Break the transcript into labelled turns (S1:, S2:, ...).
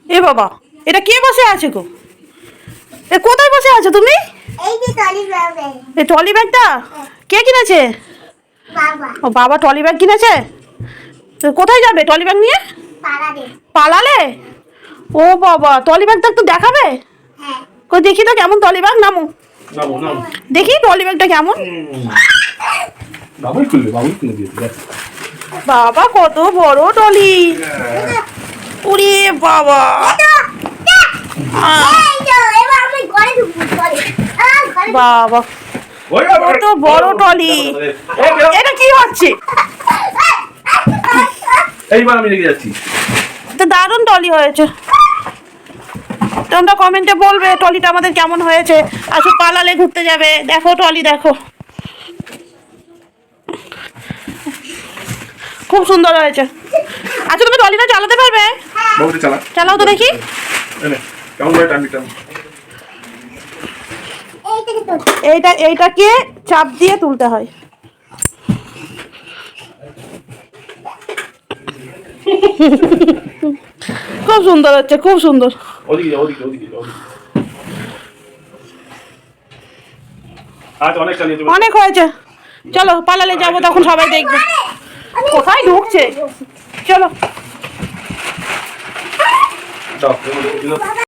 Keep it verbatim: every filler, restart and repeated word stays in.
S1: এ বাবা, এটা কে বসে আছে গো? এ কোথায় বসে আছো তুমি?
S2: এই যে টলি ব্যাগে।
S1: এই ট্রলি ব্যাগটা কে কিনেছে?
S2: বাবা।
S1: ও বাবা ট্রলি ব্যাগ কিনেছে। তো কোথায় যাবে ট্রলি ব্যাগ নিয়ে?
S2: পালাবে।
S1: পালালে? ও বাবা, ট্রলি ব্যাগটা একটু দেখাবে?
S2: হ্যাঁ।
S1: কই দেখি তো কেমন ট্রলি ব্যাগ, নামো
S3: নামো নামো।
S1: দেখি ট্রলি ব্যাগটা কেমন।
S3: বাবুই খুলবে, বাবুই খুলে দিয়েছে দেখ।
S1: বাবা কত বড় ট্রলি! ওরে বাবা! আহ,
S2: এই যে এবার আমি ঘরে ঢুকবো ঘরে। আ ঘরে।
S1: বাবা
S3: ওই বাবা,
S1: কত বড় ট্রলি!
S3: এই বেরো।
S1: এটা কি হচ্ছে?
S3: এইবার আমি রেখে যাচ্ছি।
S1: তো দারুণ ট্রলি হয়েছে। তোমরা কমেন্টে বলবে ট্রলিটা আমাদের কেমন হয়েছে। আসো পালালে ঘুরতে যাবে, দেখো ট্রলি দেখো, খুব সুন্দর হয়েছে। আচ্ছা তুমি ট্রলিটা চালাতে পারবে?
S3: বাবুটা চালা।
S1: চালাও তো দেখি।
S3: এই নে, কেমন করে টানবি টান।
S2: এইটাকে তো।
S1: এইটা এইটাকে চাপ দিয়ে তুলতে হয়। খুব সুন্দর হচ্ছে, খুব সুন্দর।
S3: ওদিকে যা, ওদিকে ওদিকে যা, ওদিকে। আজ অনেক চালিয়ে দেবো।
S1: অনেক হয়েছে, চলো পালালে যাবো, তখন সবাই দেখবে। কোথায় ঢুকছে? চলো।
S3: দাও,